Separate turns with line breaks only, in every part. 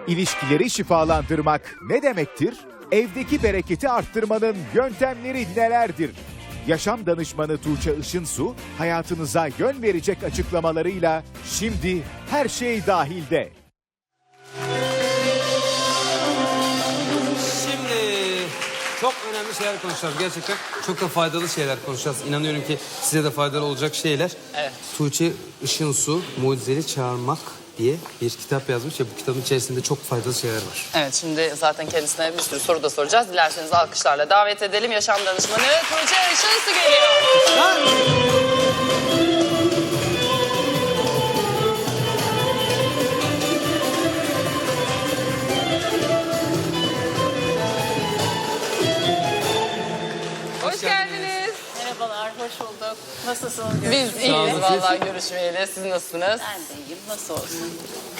İlişkileri şifalandırmak ne demektir? Evdeki bereketi arttırmanın yöntemleri nelerdir? Yaşam danışmanı Tuğçe Işınsu hayatınıza yön verecek açıklamalarıyla şimdi her şey dahilde.
Şimdi çok önemli şeyler konuşacağız. Gerçekten çok da faydalı şeyler konuşacağız. İnanıyorum ki size de faydalı olacak şeyler.
Evet.
Tuğçe Işınsu Mucizeleri Çağırmak diye bir kitap yazmış ve bu kitabın içerisinde çok faydalı şeyler var.
Evet, şimdi zaten kendisine bir sürü soru da soracağız. Dilerseniz alkışlarla davet edelim. Yaşam danışmanı Tuğçe Işınsu geliyor. Hoş geldiniz.
Merhabalar, hoş bulduk. Nasılsınız?
Biz iyiyiz vallahi görüşmeyeli. Siz nasılsınız?
Ben de iyiyim, nasıl olsun?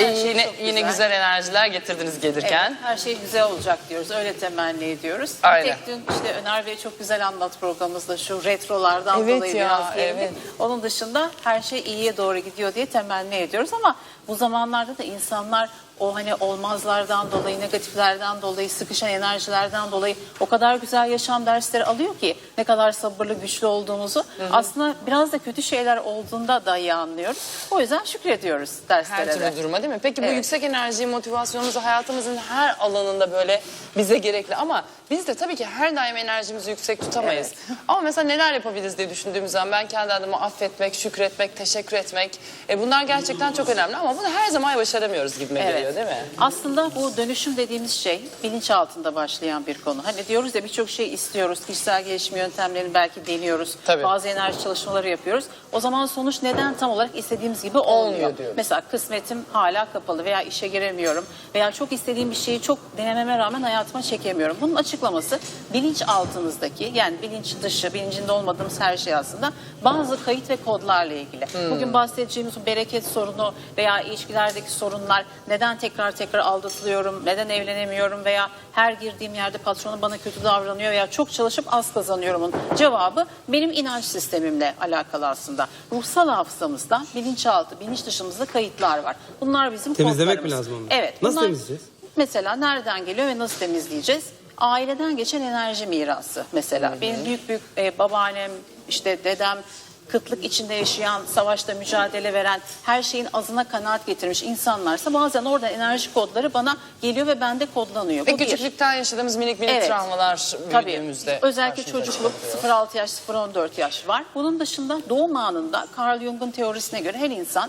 Yine güzel enerjiler getirdiniz gelirken.
Evet, her şey güzel olacak diyoruz, öyle temenni ediyoruz.
Aynen.
Tek dün işte Öner Bey çok güzel anlat programımızda şu retrolardan
Evet
dolayı
ya,
biraz gerildik.
evet.
Onun dışında her şey iyiye doğru gidiyor diye temenni ediyoruz ama bu zamanlarda da insanlar o hani olmazlardan dolayı, negatiflerden dolayı, sıkışan enerjilerden dolayı o kadar güzel yaşam dersleri alıyor ki ne kadar sabırlı, güçlü olduğumuzu. Aslında biraz da kötü şeyler olduğunda da iyi anlıyoruz. O yüzden şükrediyoruz derslere
Her
de.
türlü duruma değil mi? Peki bu
Evet.
yüksek enerjiyi, motivasyonumuzu hayatımızın her alanında böyle bize gerekli ama biz de tabii ki her daim enerjimizi yüksek tutamayız. Ama mesela neler yapabiliriz diye düşündüğümüz zaman ben kendi adıma affetmek, şükretmek, teşekkür etmek bunlar gerçekten çok önemli ama bunu her zaman başaramıyoruz gibime geliyor değil mi?
Aslında bu dönüşüm dediğimiz şey bilinç altında başlayan bir konu. Hani diyoruz ya birçok şey istiyoruz. Kişisel gelişim yöntemlerini belki deniyoruz.
Tabii.
Bazı enerji çalışmaları yapıyoruz. O zaman sonuç neden tam olarak istediğimiz gibi olmuyor
diyoruz.
Mesela kısmetim hala kapalı veya işe giremiyorum veya çok istediğim bir şeyi çok denememe rağmen hayatıma çekemiyorum. Bunun açıklaması bilinç altınızdaki yani bilinç dışı, bilincinde olmadığımız her şey aslında bazı kayıt ve kodlarla ilgili. Bugün bahsedeceğimiz bu bereket sorunu veya ilişkilerdeki sorunlar neden tekrar aldatılıyorum, neden evlenemiyorum veya her girdiğim yerde patronum bana kötü davranıyor veya çok çalışıp az kazanıyorumun cevabı benim inanç sistemimle alakalı aslında. Ruhsal hafızamızda bilinçaltı, bilinç dışımızda kayıtlar var. Bunlar bizim
Temizlemek
kodlarımız.
mi lazım onları?
Evet.
Nasıl
bunlar
temizleyeceğiz?
Mesela nereden geliyor ve nasıl temizleyeceğiz? Aileden geçen enerji mirası mesela. Benim büyük babaannem, işte dedem, kıtlık içinde yaşayan, savaşta mücadele veren, her şeyin azına kanaat getirmiş insanlarsa bazen oradan enerji kodları bana geliyor ve bende kodlanıyor.
Ve
Bu bir.
küçüklükten yaşadığımız minik
Evet.
travmalar
Tabii.
büyüdüğümüzde.
Özellikle
karşımıza
çocukluk
çıkabiliyor.
0-6 yaş, 0-14 yaş var. Bunun dışında doğum anında Carl Jung'un teorisine göre her insan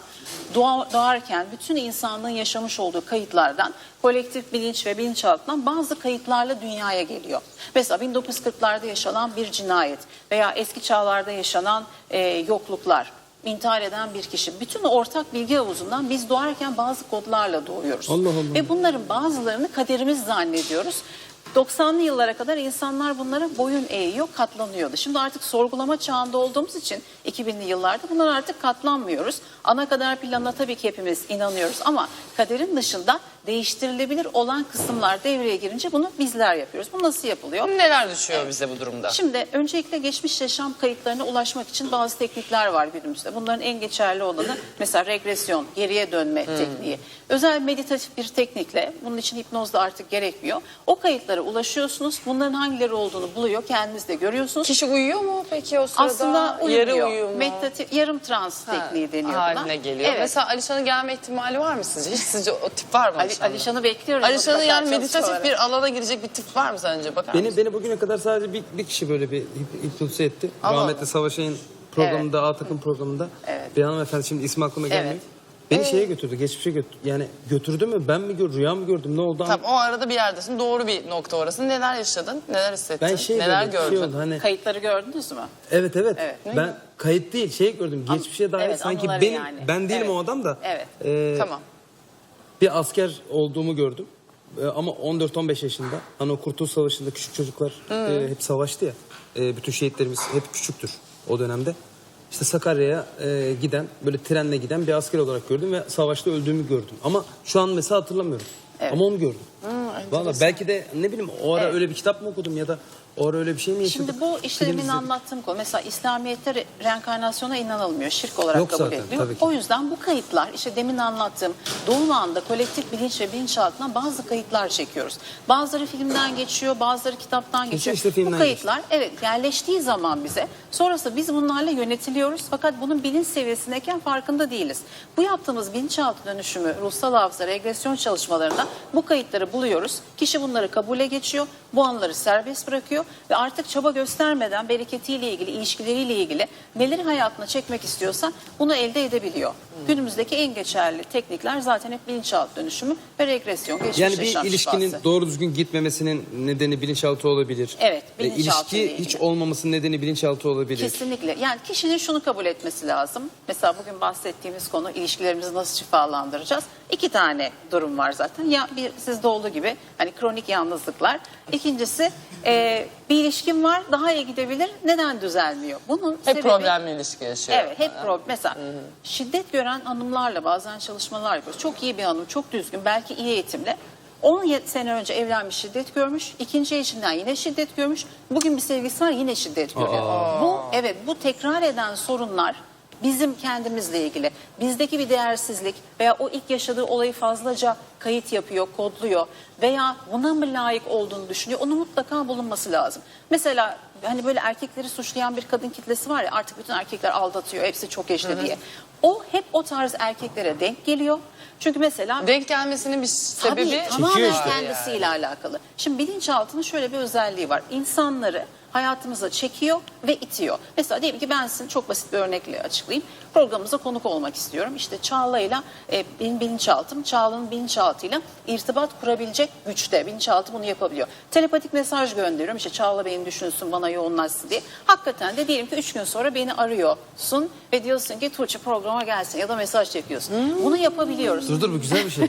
doğarken bütün insanlığın yaşamış olduğu kayıtlardan, kolektif bilinç ve bilinçaltından bazı kayıtlarla dünyaya geliyor. Mesela 1940'larda yaşanan bir cinayet veya eski çağlarda yaşanan yokluklar, intihar eden bir kişi. Bütün ortak bilgi havuzundan biz doğarken bazı kodlarla doğuyoruz.
Allah Allah.
Ve bunların bazılarını kaderimiz zannediyoruz. 90'lı yıllara kadar insanlar bunlara boyun eğiyor, katlanıyordu. Şimdi artık sorgulama çağında olduğumuz için 2000'li yıllarda bunlar artık katlanmıyoruz. Ana kader planına tabii ki hepimiz inanıyoruz ama kaderin dışında değiştirilebilir olan kısımlar devreye girince bunu bizler yapıyoruz. Bu nasıl yapılıyor?
Neler düşüyor bize bu durumda?
Şimdi öncelikle geçmiş yaşam kayıtlarına ulaşmak için bazı teknikler var günümüzde. Bunların en geçerli olanı mesela regresyon, geriye dönme tekniği. Özel meditatif bir teknikle, bunun için hipnoz da artık gerekmiyor. O kayıtlara ulaşıyorsunuz. Bunların hangileri olduğunu buluyor, kendiniz de görüyorsunuz.
Kişi uyuyor mu peki o sırada?
Aslında
Yarı
uyumuyor.
uyuyor mu?
Meditatif, yarım trans tekniği deniyor buna.
Haline geliyor.
Evet.
Mesela Alişan'ın gelme ihtimali var mı sizce? Hiç sizce o tip var mı Alişan'da?
Alişan'ı bekliyoruz.
Alişan'ın
mutlaka
yani meditatif
çalışmalara.
bir alana girecek bir tip var mı sence? Bakar mısın?
Beni bugüne kadar sadece bir kişi böyle bir hipnotize etti.
Allah
Rahmetli
Allah.
Savaşay'ın programında, A takım programında.
Evet.
Bir hanımefendi şimdi ismi aklıma gelmiyor.
Evet.
Beni şeye götürdü, geçmişe götürdü. Yani götürdü mü, ben mi gördüm, rüya mı gördüm, ne oldu?
Tamam, o arada bir yerdesin. Doğru bir nokta orası. Neler yaşadın? Neler hissettin?
Ben
Neler
böyle,
gördün?
oldu hani.
Kayıtları gördünüz mü?
Evet.
Evet.
Ben kayıt değil, gördüm. Geçmişe dair
evet,
sanki
anıları
benim,
yani.
ben değilim
Evet.
o adam da.
Evet.
Tamam.
Bir asker olduğumu gördüm. Ama 14-15 yaşında. Hani o Kurtuluş Savaşı'nda küçük çocuklar hep savaştı ya. Bütün şehitlerimiz hep küçüktür o dönemde. İşte Sakarya'ya giden, böyle trenle giden bir asker olarak gördüm ve savaşta öldüğümü gördüm. Ama şu an mesela hatırlamıyorum.
Evet.
Ama onu gördüm. Vallahi belki de ne bileyim o ara öyle bir kitap mı okudum ya da O ara öyle bir şey mi yaşadık?
Şimdi bu işte
Film
demin
izledik.
anlattığım konu. Mesela İslamiyet'te reenkarnasyona inanılmıyor. Şirk olarak
Yok
kabul
zaten,
ediliyor.
tabii ki.
O yüzden bu kayıtlar işte demin anlattığım doğum anında kolektif bilinç ve bilinçaltından bazı kayıtlar çekiyoruz. Bazıları filmden geçiyor, bazıları kitaptan geçiyor.
işte filmden
Bu kayıtlar evet yerleştiği zaman bize sonrasında biz bunlarla yönetiliyoruz. Fakat bunun bilinç seviyesindeyken farkında değiliz. Bu yaptığımız bilinçaltı dönüşümü, ruhsal hafıza, regresyon çalışmalarında bu kayıtları buluyoruz. Kişi bunları kabule geçiyor. Bu anları serbest bırakıyor ve artık çaba göstermeden bereketiyle ilgili, ilişkileriyle ilgili neleri hayatına çekmek istiyorsa bunu elde edebiliyor. Günümüzdeki en geçerli teknikler zaten hep bilinçaltı dönüşümü ve regresyon, geçmiş
Yani bir
yaşam
ilişkinin
şifası.
doğru düzgün gitmemesinin nedeni bilinçaltı olabilir.
Evet, bilinçaltı ile
İlişki hiç
ilgili.
olmamasının nedeni bilinçaltı olabilir.
Kesinlikle. Yani kişinin şunu kabul etmesi lazım. Mesela bugün bahsettiğimiz konu ilişkilerimizi nasıl şifalandıracağız? 2 tane durum var zaten. Ya bir sizde olduğu gibi hani kronik yalnızlıklar. İkincisi bir ilişkim var daha iyi gidebilir. Neden düzelmiyor? Bunun
Hep
sebebi...
problemli ilişki yaşıyor.
Evet hep problem. Mesela şiddet gören hanımlarla bazen çalışmalar yapıyoruz. Çok iyi bir hanım, çok düzgün, belki iyi eğitimli. 10 sene önce evlenmiş, şiddet görmüş. İkinci eşinden yine şiddet görmüş. Bugün bir sevgilisi var, yine şiddet görüyor. Bu tekrar eden sorunlar bizim kendimizle ilgili. Bizdeki bir değersizlik veya o ilk yaşadığı olayı fazlaca kayıt yapıyor, kodluyor veya buna mı layık olduğunu düşünüyor. Onun mutlaka bulunması lazım. Mesela hani böyle erkekleri suçlayan bir kadın kitlesi var ya, artık bütün erkekler aldatıyor, hepsi çok eşli diye. O hep o tarz erkeklere denk geliyor. Çünkü mesela
Denk gelmesinin bir sebebi
tabii, tamamen
Çekiyor işte.
kendisiyle alakalı. Şimdi bilinçaltının şöyle bir özelliği var. İnsanları hayatımıza çekiyor ve itiyor. Mesela diyelim ki ben sizin çok basit bir örnekle açıklayayım. Programımıza konuk olmak istiyorum. İşte Çağla'yla benim bilinçaltım, Çağla'nın bilinçaltıyla irtibat kurabilecek güçte. Bilinçaltı bunu yapabiliyor. Telepatik mesaj gönderiyorum. İşte Çağla beni düşünsün, bana yoğunlaşsın diye. Hakikaten de diyelim ki 3 gün sonra beni arıyorsun ve diyorsun ki Tuğçe programa gelsin ya da mesaj çekiyorsun. Bunu yapabiliyoruz.
Dur bu güzel bir şey.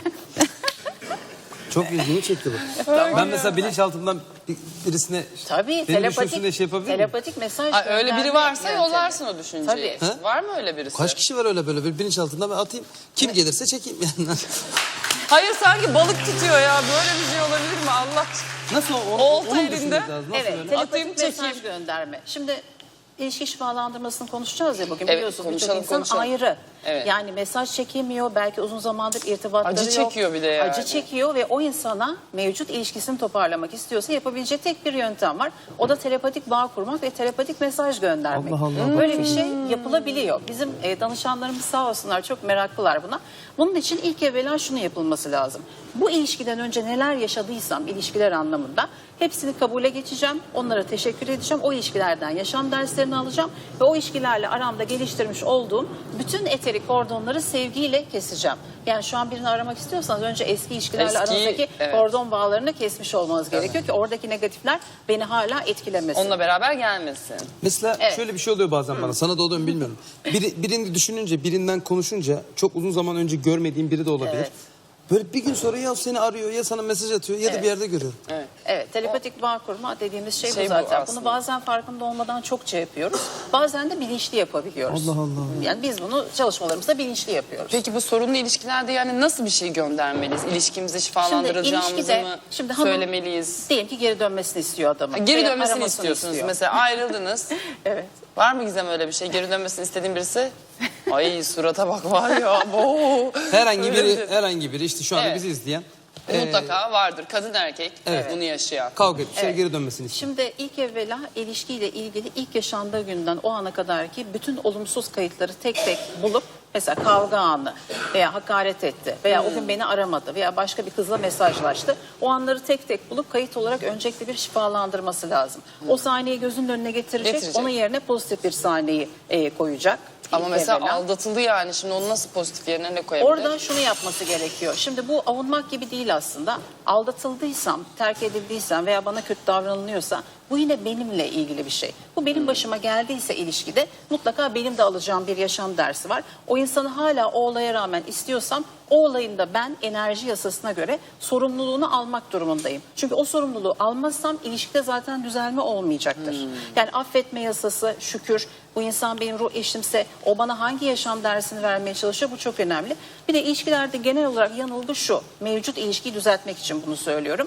Çok ilgimi çekti bu. Ben mesela bilinçaltımdan birisine
Tabii
beni düşünsün diye şey yapabilir miyim?
telepatik mesaj
Ay, öyle biri
gönderme
varsa
yöntemi.
yollarsın o düşünceyi.
Tabii.
Ha?
Var mı öyle birisi?
Kaç kişi var öyle böyle bir bilinçaltından ben atayım. Kim gelirse çekeyim yani.
Hayır sanki balık tutuyor ya. Böyle bir şey olabilir mi Allah aşkına?
Nasıl o?
Olta
onu mu
elinde.
düşünmek lazım? Nasıl
Evet,
böyle?
Atayım,
telepatik mesaj
çekeyim.
gönderme. Şimdi ilişki şifalandırmasını konuşacağız ya bugün,
Evet,
biliyorsunuz birçok
konuşalım,
insan
konuşalım.
ayrı.
Evet.
Yani mesaj çekemiyor, belki uzun zamandır irtibatları
Acı
yok.
çekiyor bir de yani.
Acı çekiyor ve o insana mevcut ilişkisini toparlamak istiyorsa yapabileceği tek bir yöntem var. O da telepatik bağ kurmak ve telepatik mesaj göndermek.
Allah Allah,
Böyle bir şey yapılabiliyor. Bizim danışanlarımız sağ olsunlar çok meraklılar buna. Bunun için ilk evvela şunu yapılması lazım. Bu ilişkiden önce neler yaşadıysam ilişkiler anlamında hepsini kabule geçeceğim. Onlara teşekkür edeceğim. O ilişkilerden yaşam derslerini alacağım ve o ilişkilerle aramda geliştirmiş olduğum bütün eterik kordonları sevgiyle keseceğim. Yani şu an birini aramak istiyorsanız önce eski ilişkilerle
Eski,
aranızdaki
evet.
kordon bağlarını kesmiş olmanız gerekiyor ki oradaki negatifler beni hala etkilemesin.
Onunla beraber gelmesin.
Mesela
Evet.
şöyle bir şey oluyor bazen bana. Sana da oluyor mu bilmiyorum. Birini düşününce, birinden konuşunca çok uzun zaman önce görmediğim biri de olabilir.
Evet.
Böyle bir gün sonra ya seni arıyor ya sana mesaj atıyor ya da bir yerde görüyorum.
Evet, telepatik bağ kurma dediğimiz şey,
Şey
bu
bu
zaten.
aslında.
Bunu bazen farkında olmadan çokça yapıyoruz. Bazen de bilinçli yapabiliyoruz.
Allah Allah.
Yani biz bunu çalışmalarımızda bilinçli yapıyoruz.
Peki bu sorunlu ilişkilerde yani nasıl bir şey göndermeliyiz? İlişkimizi şifalandıracağımızı mı
hanım
söylemeliyiz?
diyelim ki geri dönmesini istiyor adamın.
Geri
Veya
dönmesini
aramasını
istiyorsunuz.
istiyor.
Mesela ayrıldınız.
Evet.
Var mı Gizem öyle bir şey? Geri dönmesini istediğin birisi? Ay surata bak var ya. Bo.
Herhangi biri işte şu anda
Evet.
bizi izleyen
Mutlaka vardır. Kadın erkek bunu yaşayan.
kavga etmişler
Evet.
geri dönmesini istiyor.
Şimdi ilk evvela ilişkiyle ilgili ilk yaşandığı günden o ana kadar ki bütün olumsuz kayıtları tek tek bulup mesela kavga anı veya hakaret etti veya o gün beni aramadı veya başka bir kızla mesajlaştı. O anları tek tek bulup kayıt olarak öncelikle bir şifalandırması lazım. O sahneyi gözünün önüne getirecek. Onun yerine pozitif bir sahneyi koyacak.
Ama
İlk
mesela
evvela.
aldatıldı yani. Şimdi onu nasıl pozitif yerine ne koyabilir?
Orada şunu yapması gerekiyor. Şimdi bu avunmak gibi değil aslında. Aldatıldıysam, terk edildiysem veya bana kötü davranılıyorsa bu yine benimle ilgili bir şey. Bu benim başıma geldiyse ilişkide mutlaka benim de alacağım bir yaşam dersi var. O insanı hala o olaya rağmen istiyorsam o olayın da ben enerji yasasına göre sorumluluğunu almak durumundayım. Çünkü o sorumluluğu almazsam ilişkide zaten düzelme olmayacaktır. Yani affetme yasası, şükür, bu insan benim ruh eşimse o bana hangi yaşam dersini vermeye çalışıyor, bu çok önemli. Bir de ilişkilerde genel olarak yanılgı şu, mevcut ilişkiyi düzeltmek için bunu söylüyorum.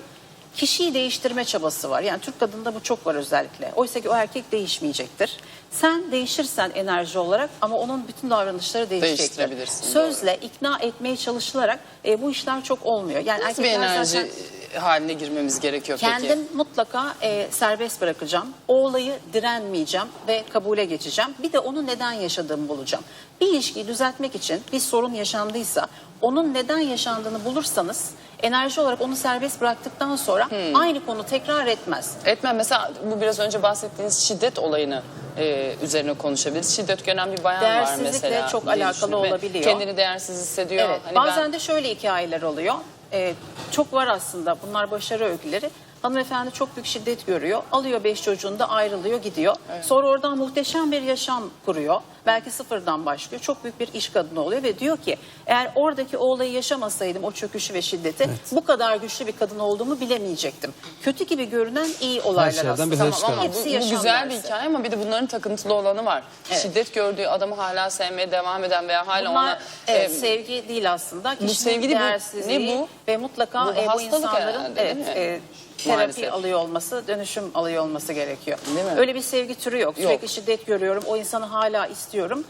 kişiyi değiştirme çabası var. Yani Türk kadında bu çok var özellikle. Oysa ki o erkek değişmeyecektir. Sen değişirsen enerji olarak ama onun bütün davranışları değişecektir.
Değiştirebilirsin,
Sözle ikna etmeye çalışılarak bu işler çok olmuyor. Yani
Nasıl bir
erkekler
enerji
zaten
haline girmemiz gerekiyor peki?
kendim mutlaka serbest bırakacağım. O olayı direnmeyeceğim ve kabule geçeceğim. Bir de onun neden yaşadığımı bulacağım. Bir ilişkiyi düzeltmek için bir sorun yaşandıysa onun neden yaşandığını bulursanız enerji olarak onu serbest bıraktıktan sonra aynı konu tekrar etmez.
Etmem. Mesela bu biraz önce bahsettiğiniz şiddet olayını üzerine konuşabiliriz. Şiddet gören bir bayan var
Değersizlikle
mesela.
çok
diye
alakalı
düşünüyorum ve
olabiliyor.
Kendini değersiz hissediyor.
Evet,
Hani
bazen de şöyle hikayeler oluyor. Çok var aslında, bunlar başarı öyküleri. Hanımefendi çok büyük şiddet görüyor. Alıyor 5 çocuğunu da ayrılıyor, gidiyor. Sonra oradan muhteşem bir yaşam kuruyor. Belki sıfırdan başlıyor. Çok büyük bir iş kadını oluyor ve diyor ki eğer oradaki o olayı yaşamasaydım, o çöküşü ve şiddeti bu kadar güçlü bir kadın olduğumu bilemeyecektim. Kötü gibi görünen iyi olaylar
şeyden
aslında.
bir ders
Tamam ama
Hepsi
bu
yaşam
güzel bir
dersi.
hikaye ama bir de bunların takıntılı olanı var.
Evet.
Şiddet gördüğü adamı hala sevmeye devam eden veya hala
Bunlar
ona...
sevgi değil aslında. Kişinin
sevgi değil, bu-
değersizliği
ne bu?
ve mutlaka
Bu
bu
hastalık
insanların
herhalde, değil mi?
terapi
Maalesef.
alıyor olması, dönüşüm alıyor olması gerekiyor.
Değil mi?
Öyle bir sevgi türü yok.
Yok.
Sürekli şiddet görüyorum, o insanı hala istiyorum.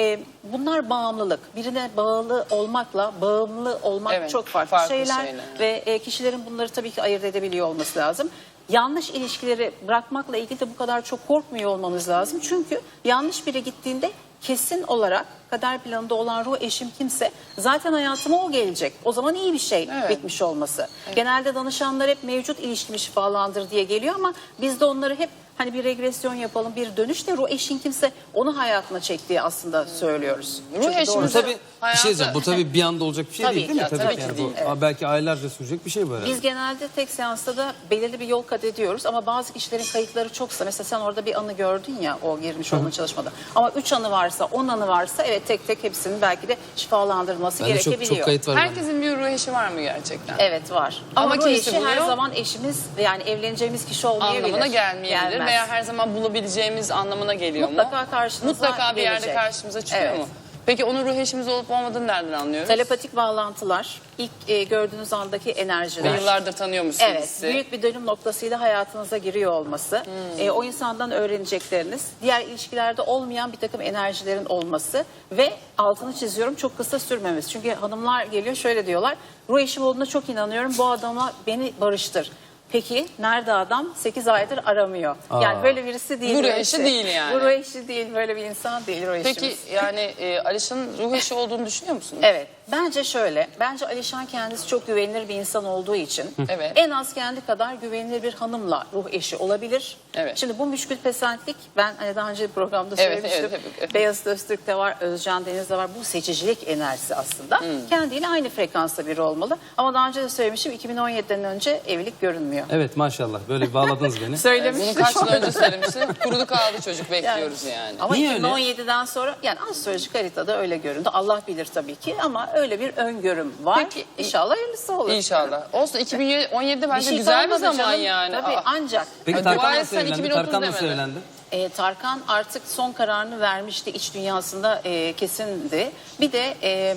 Bunlar bağımlılık. Birine bağlı olmakla bağımlı olmak
Evet,
çok farklı,
farklı
şeyler.
şeyler.
Ve kişilerin bunları tabii ki ayırt edebiliyor olması lazım. Yanlış ilişkileri bırakmakla ilgili de bu kadar çok korkmuyor olmamız lazım. Çünkü yanlış biri gittiğinde kesin olarak kader planında olan ruh eşim kimse zaten hayatıma o gelecek. O zaman iyi bir şey
Evet.
bitmiş olması. Genelde danışanlar hep mevcut ilişkimi şifalandır diye geliyor ama biz de onları hep hani bir regresyon yapalım, bir dönüş de ruh eşin kimse onu hayatına çektiği aslında söylüyoruz.
Ruh
Çünkü
eşimiz-
doğru.
Bu tabii bir
Hayatı-
şey diyeceğim. Bu tabii bir anda olacak bir şey
Tabii
değil değil mi?
ki, tabii ki
yani
değil.
bu belki aylarca sürecek bir şey bu herhalde.
Biz genelde tek seansta da belirli bir yol kat ediyoruz ama bazı kişilerin kayıtları çoksa mesela sen orada bir anı gördün ya o girmiş olduğun çalışmada ama 3 anı varsa 10 anı varsa evet tek tek hepsinin belki de şifalandırılması
Bende
gerekebiliyor.
çok kayıt var. bende.
Herkesin bir ruh eşi var mı gerçekten?
Evet var.
Ama
Ama, ruh
kimisi
eşi her
buluyor.
zaman eşimiz yani evleneceğimiz kişi olmayabilir.
Anlamına gelmeyebilir
Gelmez.
veya her zaman bulabileceğimiz anlamına geliyor
Mutlaka
mu?
karşınıza
Mutlaka bir yerde
gelecek.
karşımıza çıkıyor
Evet.
mu? Peki onun ruh eşimiz olup olmadığını nereden anlıyoruz?
Telepatik bağlantılar, ilk gördüğünüz andaki
Ve
enerjiler.
yıllardır tanıyormuşsunuz
Evet,
sizi.
büyük bir dönüm noktasıyla hayatınıza giriyor olması, o insandan öğrenecekleriniz, diğer ilişkilerde olmayan bir takım enerjilerin olması ve altını çiziyorum çok kısa sürmemesi. Çünkü hanımlar geliyor şöyle diyorlar, ruh eşim olduğuna çok inanıyorum, bu adama beni barıştır. Peki nerede adam? 8 aydır aramıyor. Yani böyle birisi değil.
Bu ruh
ruh
eşi değil yani.
Bu ruh eşi değil, böyle bir insan değil ruh eşimiz.
Peki yani Alişan'ın ruh eşi olduğunu düşünüyor musunuz?
Evet. Bence şöyle. Bence Alişan kendisi çok güvenilir bir insan olduğu için
Evet.
en az kendi kadar güvenilir bir hanımla ruh eşi olabilir.
Evet.
Şimdi bu müşkül pesentlik ben hani daha önce bir programda
Evet,
söylemiştim.
evet.
Beyazıt Öztürk'te var, Özcan Deniz'de var. Bu seçicilik enerjisi aslında. Kendiyle aynı frekansta biri olmalı. Ama daha önce de söylemiştim 2017'den önce evlilik görünmüyor.
Evet maşallah böyle bağladınız beni.
Bunu
Söylemiştim.
kaç yıl önce söylemiştim. Kurudu kaldı çocuk bekliyoruz yani.
Ama
Niye öyle?
2017'den sonra yani astrolojik haritada öyle göründü. Allah bilir tabii ki ama öyle bir öngörüm var.
Peki,
İnşallah hayırlısı olur.
İnşallah. Olsun 2017'de bence
şey
güzel bir
kalmadı
zaman
canım.
yani.
Tabii
Aa.
ancak.
Peki
Dua
Tarkan nasıl
etsen
evlendi?
2030
Tarkan nasıl
demedi.
evlendi?
Tarkan artık son kararını vermişti. İç dünyasında kesindi. Bir de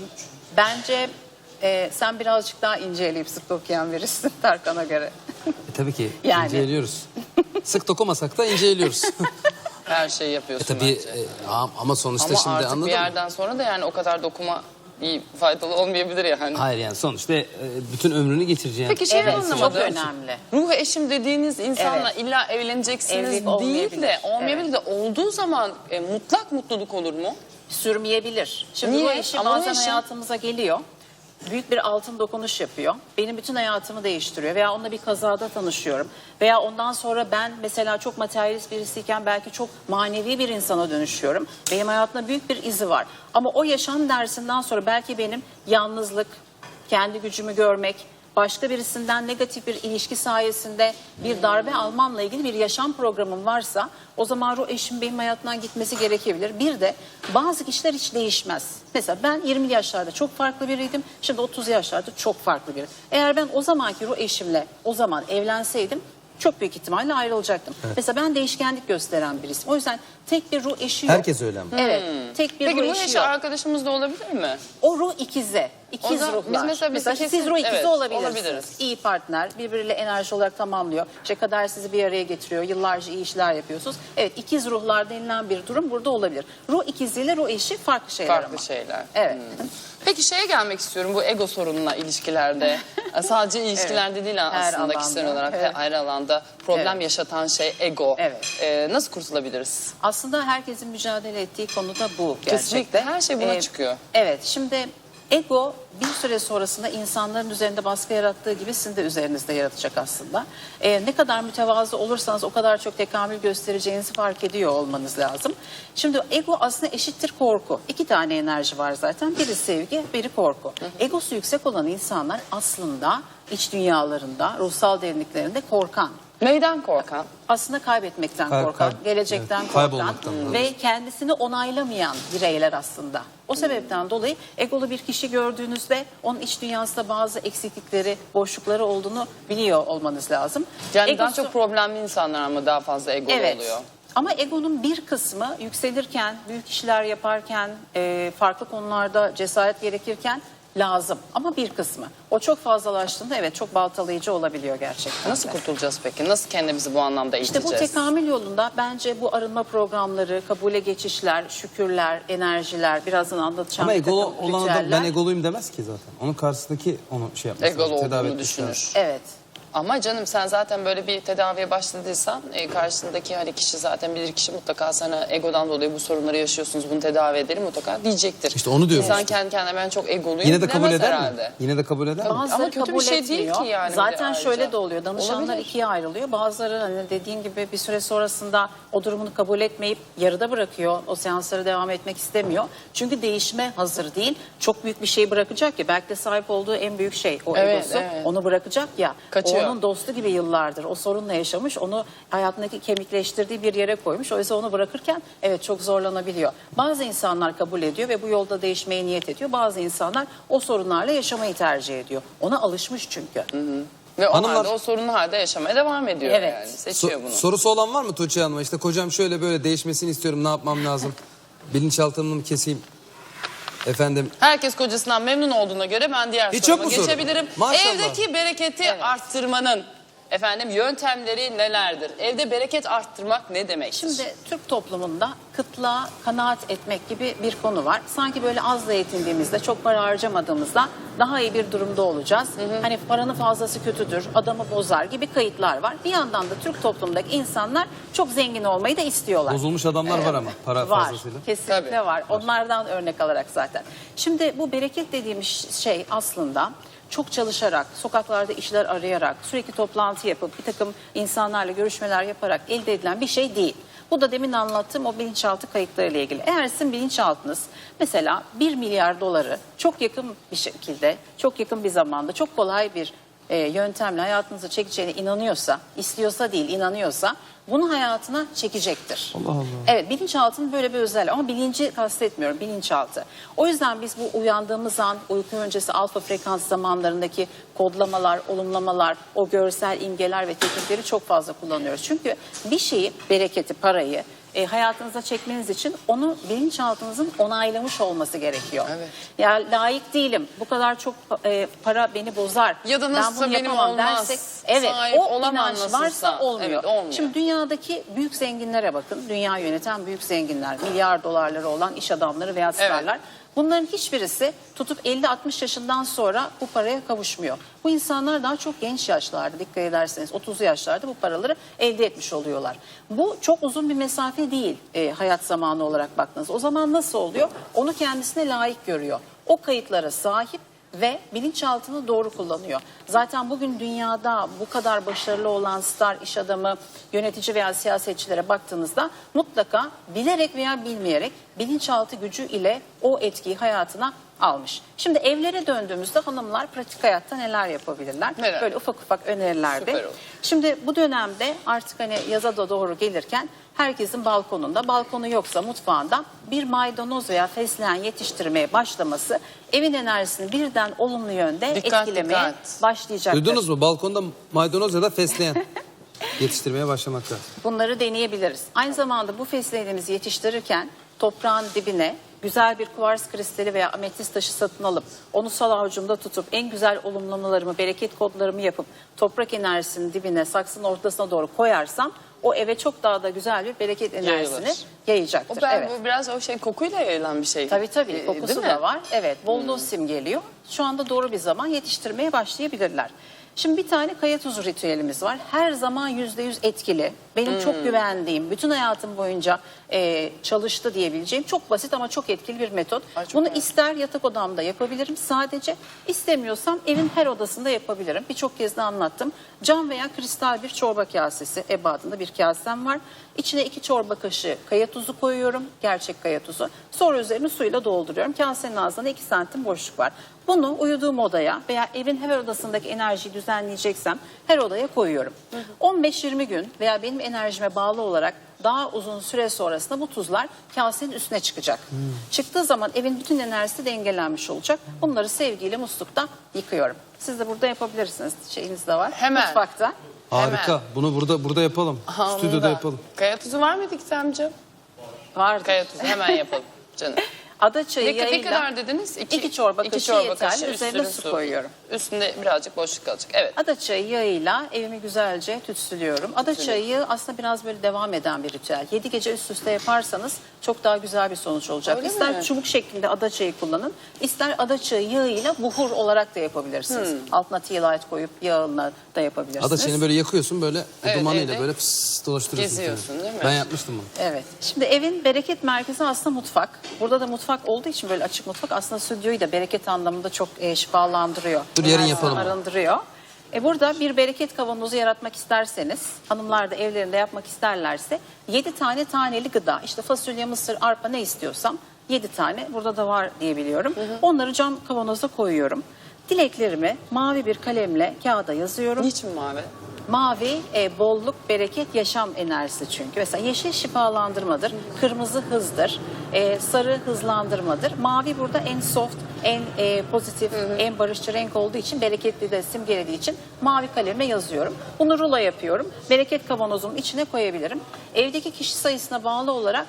bence sen birazcık daha ince eleyip sık okuyan birisin Tarkan'a göre.
Tabii ki
Yani.
inceliyoruz. Sık dokumasak da inceliyoruz.
Her şeyi yapıyorsun
Tabii
bence.
ama sonuçta
Ama
şimdi
artık
anladın
bir
mı?
yerden sonra da yani o kadar dokuma iyi faydalı olmayabilir yani.
Hayır yani sonuçta bütün ömrünü geçireceğin.
Peki şey
Evet, çok
anlamadım.
önemli.
Ruh eşim dediğiniz insanla illa evleneceksiniz
Evlilik
değil
olmayabilir.
de olmayabilir de olduğu zaman mutlak mutluluk olur mu?
Sürmeyebilir. Şimdi
Niye?
bu eşi
Ama bu
bazen
eşi-
hayatımıza geliyor. Büyük bir altın dokunuş yapıyor. Benim bütün hayatımı değiştiriyor. Veya onunla bir kazada tanışıyorum. Veya ondan sonra ben mesela çok materyalist birisiyken belki çok manevi bir insana dönüşüyorum. Benim hayatımda büyük bir izi var. Ama o yaşam dersinden sonra belki benim yalnızlık, kendi gücümü görmek, başka birisinden negatif bir ilişki sayesinde bir darbe almamla ilgili bir yaşam programım varsa o zaman ruh eşim benim hayatımdan gitmesi gerekebilir. Bir de bazı kişiler hiç değişmez. Mesela ben 20'li yaşlarda çok farklı biriydim. Şimdi 30 yaşlarda çok farklı biri. Eğer ben o zamanki ruh eşimle o zaman evlenseydim çok büyük ihtimalle ayrılacaktım. Mesela ben değişkenlik gösteren birisiyim. O yüzden tek bir ruh eşi yok.
Herkes öyle ama.
Evet. Tek bir
Peki
ruh
bu
eşi
eşi
yok.
arkadaşımız da olabilir mi?
O ruh ikize. İkiz
O da-
ruhlar.
biz mesela
siz
kesin-
ruh ikizi
evet,
olabilirsiniz.
olabiliriz.
İyi partner, birbiriyle enerji olarak tamamlıyor. İşte kader sizi bir araya getiriyor. Yıllarca iyi işler yapıyorsunuz. Evet, ikiz ruhlar denilen bir durum burada olabilir. Ruh ikiziyle ruh eşi farklı şeyler
Farklı
ama.
şeyler.
Evet.
Peki şeye gelmek istiyorum bu ego sorununa ilişkilerde. Sadece ilişkilerde değil
Her
aslında kişisel
alanda,
olarak
evet.
her alanda problem
Evet.
yaşatan şey ego.
Evet.
Nasıl kurtulabiliriz?
Aslında herkesin mücadele ettiği konuda bu gerçekten.
Kesinlikle. Her şey buna çıkıyor.
Evet, şimdi ego bir süre sonrasında insanların üzerinde baskı yarattığı gibi sizin de üzerinizde yaratacak aslında. Ne kadar mütevazı olursanız o kadar çok tekamül göstereceğinizi fark ediyor olmanız lazım. Şimdi ego aslında eşittir korku. İki tane enerji var zaten. Biri sevgi, biri korku. Egosu yüksek olan insanlar aslında iç dünyalarında, ruhsal derinliklerinde korkan.
Neyden korkan?
Aslında kaybetmekten korkan, gelecekten
evet,
korkan
kaybolmaktan,
ve kendisini onaylamayan bireyler aslında. O sebepten dolayı egolu bir kişi gördüğünüzde onun iç dünyasında bazı eksiklikleri, boşlukları olduğunu biliyor olmanız lazım.
Yani daha
Egosu-
çok problemli insanlar mı daha fazla egolu oluyor?
Ama egonun bir kısmı yükselirken, büyük işler yaparken, farklı konularda cesaret gerekirken lazım. Ama bir kısmı. O çok fazlalaştığında evet çok baltalayıcı olabiliyor gerçekten.
Nasıl kurtulacağız peki? Nasıl kendimizi bu anlamda
İşte
eğiteceğiz?
bu tekamül yolunda bence bu arınma programları, kabule geçişler, şükürler, enerjiler, birazdan anlatacağım.
Ama
bir takım
egolu olan adam
ritüeller.
ben egoluyum demez ki zaten. Onun karşısındaki onu şey yapması
Egolu
lazım, tedavi
olduğunu
etmesi lazım.
düşünür.
Evet.
Ama canım sen zaten böyle bir tedaviye başladıysan karşısındaki hani kişi zaten bilir kişi mutlaka sana egodan dolayı bu sorunları yaşıyorsunuz bunu tedavi edelim mutlaka diyecektir.
İşte onu diyorum
İnsan
işte.
kendi kendine ben çok egoluyum
Yine de kabul
demez
eder
herhalde.
mi? Yine de kabul eder mi?
Bazıları
Ama kötü bir
kabul
şey değil
etmiyor.
ki yani
Zaten
bir de
şöyle
ayrıca.
de oluyor. Danışanlar
Olabilir.
ikiye ayrılıyor. Bazıları hani dediğin gibi bir süre sonrasında o durumunu kabul etmeyip yarıda bırakıyor. O seanslara devam etmek istemiyor. Çünkü değişime hazır değil. Çok büyük bir şey bırakacak ya. Belki de sahip olduğu en büyük şey o
Evet,
egosu.
evet.
Onu bırakacak ya.
Kaçıyor.
O onun dostu gibi yıllardır. O sorunla yaşamış. Onu hayatındaki kemikleştirdiği bir yere koymuş. Oysa onu bırakırken evet çok zorlanabiliyor. Bazı insanlar kabul ediyor ve bu yolda değişmeye niyet ediyor. Bazı insanlar o sorunlarla yaşamayı tercih ediyor. Ona alışmış çünkü.
Ve o
Hanımlar-
halde o sorunlu halde yaşamaya devam ediyor
Evet.
yani. Seçiyor bunu.
Sorusu olan var mı Tuğçe Hanım'a? İşte kocam şöyle böyle değişmesini istiyorum, ne yapmam lazım? Bilinçaltımı mı keseyim? Efendim,
Herkes kocasından memnun olduğuna göre ben diğer
Hiç
soruma
yok mu soru?
geçebilirim.
Maşallah.
Evdeki bereketi arttırmanın yöntemleri nelerdir? Evde bereket arttırmak ne demektir?
Şimdi Türk toplumunda kıtlığa kanaat etmek gibi bir konu var. Sanki böyle azla yetindiğimizde, çok para harcamadığımızda daha iyi bir durumda olacağız. Hani paranın fazlası kötüdür, adamı bozar gibi kayıtlar var. Bir yandan da Türk toplumundaki insanlar çok zengin olmayı da istiyorlar.
bozulmuş adamlar var ama para
Var,
fazlasıyla.
kesinlikle
Tabii.
var. Onlardan örnek alarak zaten. Şimdi bu bereket dediğimiz şey aslında çok çalışarak, sokaklarda işler arayarak, sürekli toplantı yapıp bir takım insanlarla görüşmeler yaparak elde edilen bir şey değil. Bu da demin anlattığım o bilinçaltı kayıtlarıyla ilgili. Eğer sizin bilinçaltınız mesela 1 milyar doları çok yakın bir şekilde, çok yakın bir zamanda, çok kolay bir yöntemle hayatınıza çekeceğine inanıyorsa, istiyorsa değil inanıyorsa bunu hayatına çekecektir.
Allah Allah.
Evet, bilinçaltının böyle bir özelliği ama bilinci kastetmiyorum, bilinçaltı. O yüzden biz bu uyandığımız an, uyku öncesi alfa frekans zamanlarındaki kodlamalar, olumlamalar, o görsel imgeler ve teknikleri çok fazla kullanıyoruz. Çünkü bir şeyi, bereketi, parayı hayatınıza çekmeniz için onu bilinçaltınızın onaylamış olması gerekiyor.
Evet.
Ya layık değilim, bu kadar çok para beni bozar.
Ya da nasılsa
ben bunu
benim
yapamam
olmaz,
dersek, evet,
sahip
o
olamam
inanç
nasılsa.
varsa olmuyor.
Evet, olmuyor.
Şimdi dünyadaki büyük zenginlere bakın. Dünya yöneten büyük zenginler, milyar dolarları olan iş adamları veya starlar. Bunların hiçbirisi tutup 50-60 yaşından sonra bu paraya kavuşmuyor. Bu insanlar daha çok genç yaşlarda, dikkat ederseniz 30'lu yaşlarda bu paraları elde etmiş oluyorlar. Bu çok uzun bir mesafe değil hayat zamanı olarak baktığınız. O zaman nasıl oluyor? Onu kendisine layık görüyor. O kayıtlara sahip ve bilinçaltını doğru kullanıyor. Zaten bugün dünyada bu kadar başarılı olan star, iş adamı, yönetici veya siyasetçilere baktığınızda mutlaka bilerek veya bilmeyerek bilinçaltı gücü ile o etkiyi hayatına almış. Şimdi evlere döndüğümüzde hanımlar pratik hayatta neler yapabilirler?
Neler?
Böyle ufak ufak önerilerde.
Süper olur.
Şimdi bu dönemde artık hani yaza da doğru gelirken herkesin balkonunda, balkonu yoksa mutfağında bir maydanoz veya fesleğen yetiştirmeye başlaması evin enerjisini birden olumlu yönde
Dikkat,
etkilemeye
dikkat.
başlayacaktır.
Duydunuz mu? Balkonda maydanoz ya da fesleğen. yetiştirmeye başlamak lazım.
Bunları deneyebiliriz. Aynı zamanda bu fesleğenimizi yetiştirirken toprağın dibine güzel bir kuvars kristali veya ametist taşı satın alıp onu sol avucumda tutup en güzel olumlamalarımı, bereket kodlarımı yapıp toprak enerjisinin dibine, saksının ortasına doğru koyarsam o eve çok daha da güzel bir bereket enerjisini
Yayılır.
yayacaktır.
O
Evet.
bu biraz o şey kokuyla yayılan bir şey.
Tabii
Değil
kokusu
mi?
da var. Evet, bolluğu simgeliyor. Şu anda doğru bir zaman yetiştirmeye başlayabilirler. Şimdi bir tane kaya tuzu ritüelimiz var. Her zaman %100 etkili. Benim çok güvendiğim, bütün hayatım boyunca çalıştı diyebileceğim çok basit ama çok etkili bir metot.
Ay, çok
Bunu
merak
ister yatak odamda yapabilirim sadece, istemiyorsam evin her odasında yapabilirim. Birçok kez de anlattım. Cam veya kristal bir çorba kasesi ebadında bir kasem var. İçine 2 çorba kaşığı kaya tuzu koyuyorum, gerçek kaya tuzu. Sonra üzerine suyla dolduruyorum. Kasenin ağzında 2 santim boşluk var. Bunu uyuduğum odaya veya evin her odasındaki enerjiyi düzenleyeceksem her odaya koyuyorum. 15-20 gün veya benim enerjime bağlı olarak daha uzun süre sonrasında bu tuzlar kasenin üstüne çıkacak. Çıktığı zaman evin bütün enerjisi dengelenmiş olacak. Bunları sevgiyle muslukta yıkıyorum. Siz de burada yapabilirsiniz. Şeyiniz de var.
Hemen.
Mutfakta.
Harika.
Hemen.
Bunu burada yapalım.
Aha,
Stüdyoda
onu da.
yapalım.
Kaya tuzu var mıydı Gizemciğim?
Vardır.
Kaya tuzu hemen yapalım canım.
Ada çayı
Ne
yayıyla
kadar dediniz?
2 çorba kaşığı yeterli. Üzerine
üstüne
su koyuyorum.
Üstünde birazcık boşluk kalacak. Evet.
Ada çayı yağıyla evimi güzelce tütsülüyorum. Ada çayı aslında biraz böyle devam eden bir ritüel. 7 gece üst üste yaparsanız çok daha güzel bir sonuç olacak.
Öyle
ister
mi?
çubuk şeklinde ada çayı kullanın, ister ada çayı yağıyla buhur olarak da yapabilirsiniz. Altına tea light koyup yağına da yapabilirsiniz.
Ada çayını böyle yakıyorsun, böyle
Evet,
dumanıyla
evde
böyle fıs dolaştırıyorsun.
geziyorsun,
kendini.
değil mi?
Ben yapmıştım bunu.
Evet. Şimdi evin bereket merkezi aslında mutfak. Burada da mutfak olduğu için böyle açık mutfak aslında stüdyoyu da bereket anlamında çok şifalandırıyor.
Dur, yarın
Enerjisini
yapalım.
Arındırıyor. Burada bir bereket kavanozu yaratmak isterseniz, hanımlar da evlerinde yapmak isterlerse 7 tane taneli gıda, işte fasulye, mısır, arpa ne istiyorsam 7 tane burada da var diye biliyorum. Onları cam kavanoza koyuyorum. Dileklerimi mavi bir kalemle kağıda yazıyorum.
Niçin mavi?
Mavi bolluk, bereket, yaşam enerjisi çünkü. Mesela yeşil şifalandırmadır, kırmızı hızdır, sarı hızlandırmadır. Mavi burada en soft, en pozitif, en barışçı renk olduğu için, bereketli de simgelediği için mavi kalemle yazıyorum. Bunu rulo yapıyorum. Bereket kavanozumun içine koyabilirim. Evdeki kişi sayısına bağlı olarak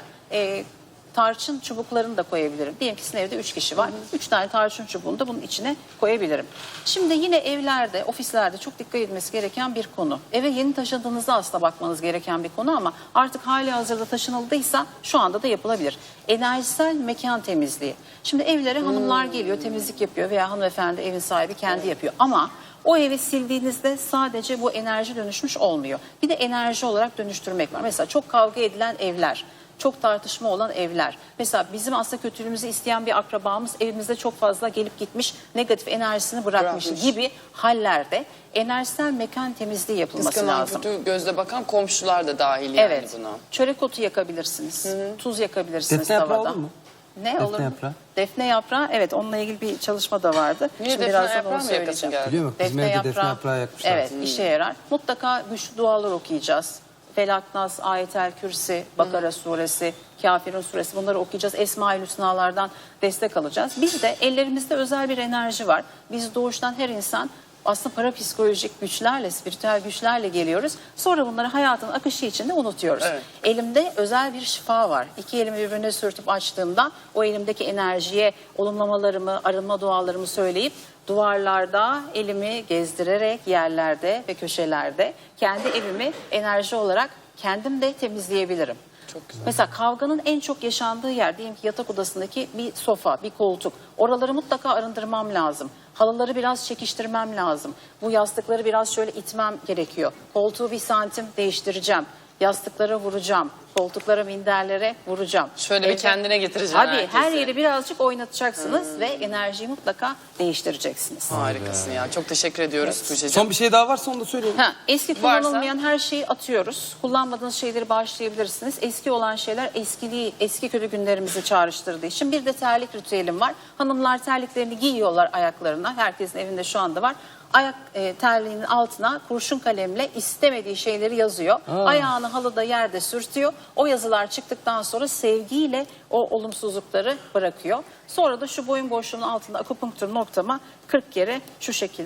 tarçın çubuklarını da koyabilirim. Diyelim ki sizin evde 3 kişi var. 3 tane tarçın çubuğunu da bunun içine koyabilirim. Şimdi yine evlerde, ofislerde çok dikkat edilmesi gereken bir konu. Eve yeni taşındığınızda aslında bakmanız gereken bir konu ama artık hali hazırda taşınıldıysa şu anda da yapılabilir. Enerjisel mekan temizliği. Şimdi evlere hanımlar geliyor, temizlik yapıyor veya hanımefendi evin sahibi kendi yapıyor ama o evi sildiğinizde sadece bu enerji dönüşmüş olmuyor. Bir de enerji olarak dönüştürmek var. Mesela çok kavga edilen evler, çok tartışma olan evler. Mesela bizim aslında kötülüğümüzü isteyen bir akrabamız evimizde çok fazla gelip gitmiş, negatif enerjisini bırakmış gibi hallerde enerjisel mekan temizliği yapılması
Kıskanan,
lazım.
kötü gözle bakan komşular da dahil yani
Evet.
buna.
Çörek otu yakabilirsiniz. Tuz yakabilirsiniz
Defne yaprağı
tavada.
olur mu?
Ne
Defne
olur mu?
yaprağı.
Defne yaprağı, evet, onunla ilgili bir çalışma da vardı.
Niye
Şimdi
defne
birazdan
yaprağı
onu
mı yakasın
söyleyeceğim.
geldi?
Biliyor musun? Bizim evde defne yaprağı yakmışlar.
Evet, işe yarar. Mutlaka güçlü dualar okuyacağız. Felaknas, Ayetel Kürsi, Bakara suresi, Kafirun suresi, bunları okuyacağız. Esma-i Hüsnalardan destek alacağız. Bir de ellerimizde özel bir enerji var. Biz doğuştan her insan aslında parapsikolojik güçlerle, spiritüel güçlerle geliyoruz. Sonra bunları hayatın akışı içinde unutuyoruz.
Evet.
Elimde özel bir şifa var. 2 elimi birbirine sürtüp açtığımda o elimdeki enerjiye olumlamalarımı, arınma dualarımı söyleyip duvarlarda elimi gezdirerek yerlerde ve köşelerde kendi evimi enerji olarak kendim de temizleyebilirim.
Çok güzel.
Mesela kavganın en çok yaşandığı yer, diyelim ki yatak odasındaki bir sofa, bir koltuk. Oraları mutlaka arındırmam lazım. Halıları biraz çekiştirmem lazım. Bu yastıkları biraz şöyle itmem gerekiyor. Koltuğu 1 santim değiştireceğim. Yastıklara vuracağım. Koltuklara, minderlere vuracağım.
Şöyle bir kendine getireceğim
Tabii
herkesi.
her yeri birazcık oynatacaksınız ve enerjiyi mutlaka değiştireceksiniz.
Harikasın ya. Çok teşekkür ediyoruz Tuğçe'cim.
Son bir şey daha varsa onu da söyleyelim.
Eski
Varsa?
kullanılmayan her şeyi atıyoruz. Kullanmadığınız şeyleri bağışlayabilirsiniz. Eski olan şeyler eski kötü günlerimizi çağrıştırdığı için. Bir de terlik ritüelim var. Hanımlar terliklerini giyiyorlar ayaklarına. Herkesin evinde şu anda var. Ayak terliğinin altına kurşun kalemle istemediği şeyleri yazıyor. Ayağını halıda, yerde sürtüyor. O yazılar çıktıktan sonra sevgiyle o olumsuzlukları bırakıyor. Sonra da şu boyun boşluğunun altında akupunktur noktama 40 kere şu şekilde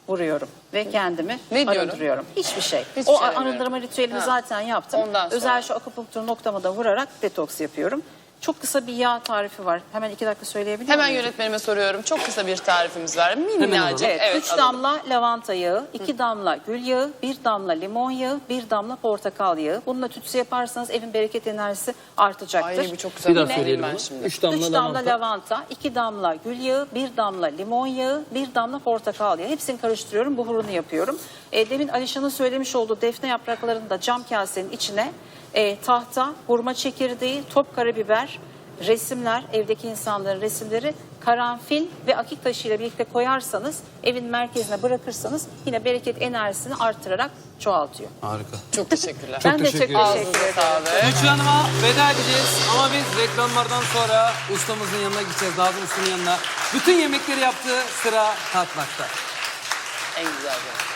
vuruyorum ve kendimi
Ne diyorum?
arındırıyorum. Hiçbir şey.
Hiçbir
O
şey demiyorum.
arındırma ritüelini
Ha.
zaten yaptım.
Ondan sonra.
Özel şu akupunktur noktamı da vurarak detoks yapıyorum. Çok kısa bir yağ tarifi var. Hemen 2 dakika söyleyebilir
Hemen
miyim?
yönetmenime soruyorum. Çok kısa bir tarifimiz var.
alalım.
Minnacık.
Evet, 3
alalım.
damla lavanta yağı, 2 damla gül yağı, 1 damla limon yağı, 1 damla portakal yağı. Bununla tütsü yaparsanız evin bereket enerjisi artacaktır.
Ay bu çok güzel.
Bir daha
Yine
söyleyelim
ben
onu.
şimdi.
3 damla
3 damla
lavanta.
lavanta, 2 damla gül yağı, 1 damla limon yağı, 1 damla portakal yağı. Hepsini karıştırıyorum, buhurunu yapıyorum. Demin Alişan'ın söylemiş olduğu defne yapraklarını da cam kasenin içine tahta, hurma çekirdeği, top karabiber, resimler, evdeki insanların resimleri, karanfil ve akik taşıyla birlikte koyarsanız, evin merkezine bırakırsanız yine bereket enerjisini artırarak çoğaltıyor.
Harika.
Çok teşekkürler.
Ben de çok
teşekkür
teşekkür
ederim.
ederim.
Sağlık.
Gülçin Hanım'a veda edeceğiz ama biz reklamlardan sonra ustamızın yanına gideceğiz. Nazım Usta'nın yanına. Bütün yemekleri yaptığı sıra tatmakta.
En güzel.